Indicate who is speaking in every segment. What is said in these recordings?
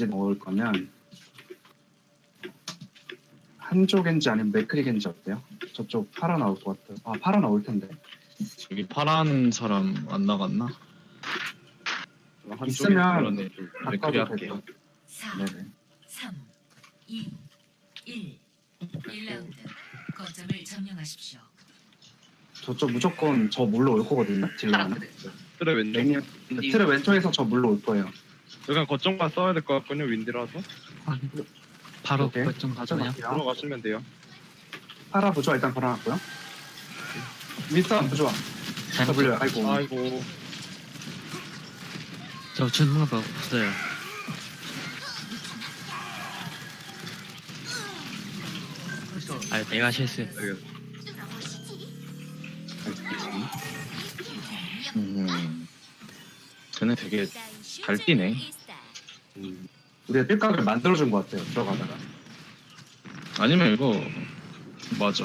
Speaker 1: 겐지 넣을 거면 한조 겐지 아니면 맥크리 겐지 어때요? 저쪽 팔아 나올 것 같아요. 아 팔아 나올 텐데.
Speaker 2: 여기 파란 사람 안 나갔나?
Speaker 1: 있으면
Speaker 2: 그러네. 맥크리
Speaker 1: 바꿔도
Speaker 2: 할게요.
Speaker 1: 될것
Speaker 3: 4,
Speaker 1: 네네.
Speaker 3: 3, 2, 1. 1라운드. 거점을 점령하십시오.
Speaker 1: 저쪽 무조건 저 물러 올 거거든요. 딜라는.
Speaker 4: 틀에 왼쪽.
Speaker 1: 레니 틀의 왼쪽에서 저 물러 올 거예요.
Speaker 4: 그냥 거점만 써야 될 것 같군요. 윈디라서
Speaker 5: 바로
Speaker 1: 오케이.
Speaker 5: 결정 가죠 그냥.
Speaker 4: 들어가시면 돼요.
Speaker 1: 파라 부조화 일단 걸어놨고요. 윗선 부조화.
Speaker 5: 잘못
Speaker 1: W 아이고.
Speaker 4: 아이고.
Speaker 5: 저 주는 거 없어요. 아 내가 실수했어.
Speaker 2: 쟤네 되게 잘 뛰네.
Speaker 1: 우리가 뜰각을 만들어준 것 같아요. 들어가다가.
Speaker 2: 아니면 이거 맞아.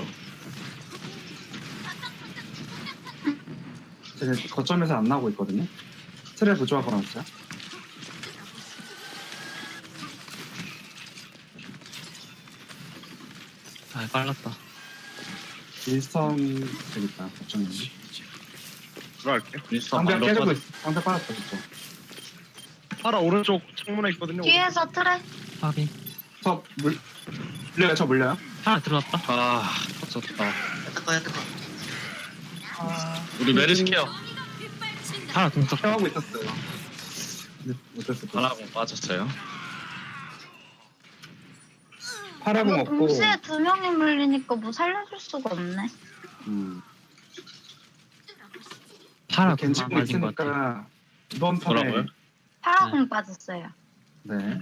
Speaker 1: 쟤네 거점에서 안 나오고 있거든요. 틀에 부조화 걸어놨어요.
Speaker 5: 아 빨랐다.
Speaker 1: 일선 되겠다. 거점에.
Speaker 4: 들어갈게요.
Speaker 2: 윈스턴
Speaker 1: 방벽
Speaker 2: 방벽
Speaker 1: 깨지고
Speaker 2: 빠져.
Speaker 1: 있어. 방벽 빠졌어. 그쵸?
Speaker 4: 파라 오른쪽 창문에 있거든요.
Speaker 6: 뒤에서 틀에
Speaker 5: 확인.
Speaker 1: 저 물려요. 저 물려요.
Speaker 5: 하나 들어왔다.
Speaker 2: 아 터졌다.
Speaker 6: 야 뜨거
Speaker 2: 우리 메르시 케어.
Speaker 5: 하나 동작.
Speaker 1: 케어하고 있었어요. 근데 어쩔 수 없어.
Speaker 2: 하나공 빠졌어요.
Speaker 1: 파라공
Speaker 6: 이거
Speaker 1: 없고.
Speaker 6: 동시에 두 명이 물리니까 뭐 살려줄 수가 없네.
Speaker 5: 하나
Speaker 1: 겐지공
Speaker 5: 동작 맞은 것 같아.
Speaker 1: 있으니까 이번 판에
Speaker 2: 뭐라고요?
Speaker 6: 파라공 빠졌어요.
Speaker 1: 네.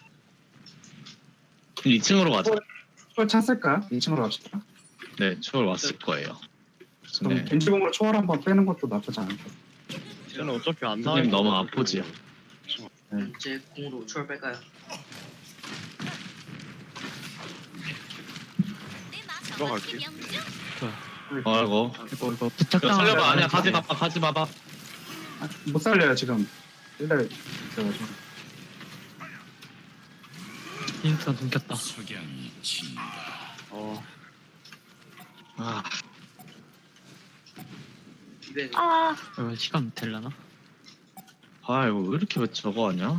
Speaker 2: 2층으로 가자.
Speaker 1: 초월 찼을까요? 2층으로 갑시다.
Speaker 2: 네, 초월 왔을 거예요.
Speaker 1: 그럼
Speaker 2: 네.
Speaker 1: 겐지공으로 초월 한번 빼는 것도 나쁘지 않을까.
Speaker 4: 쟤는 어차피 안
Speaker 2: 선생님
Speaker 4: 나와요.
Speaker 2: 너무 아프지요.
Speaker 7: 이제 공으로 초월 뺄까요?
Speaker 4: 들어갈게요.
Speaker 2: 아이고.
Speaker 5: 이거
Speaker 2: 이거
Speaker 5: 부탁당.
Speaker 2: 살려봐. 아니야, 가지 마봐, 가지 마봐.
Speaker 1: 아, 못 살려요 지금. 일단 있어가지고.
Speaker 5: 인스턴 숨겼다.
Speaker 2: 아,
Speaker 7: 집에
Speaker 6: 아
Speaker 5: 이거 시간 될라나?
Speaker 2: 아 이거 왜 이렇게 저거 하냐?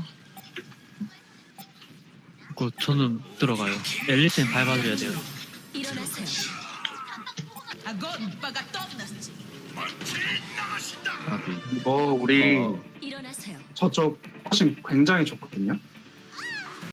Speaker 5: 이거 저는 들어가요. 앨리스는 밟아줘야 돼요.
Speaker 3: 일어나세요.
Speaker 2: 아비.
Speaker 1: 이거 우리
Speaker 2: 어.
Speaker 3: 일어나세요.
Speaker 1: 저쪽 훨씬 굉장히 좋거든요.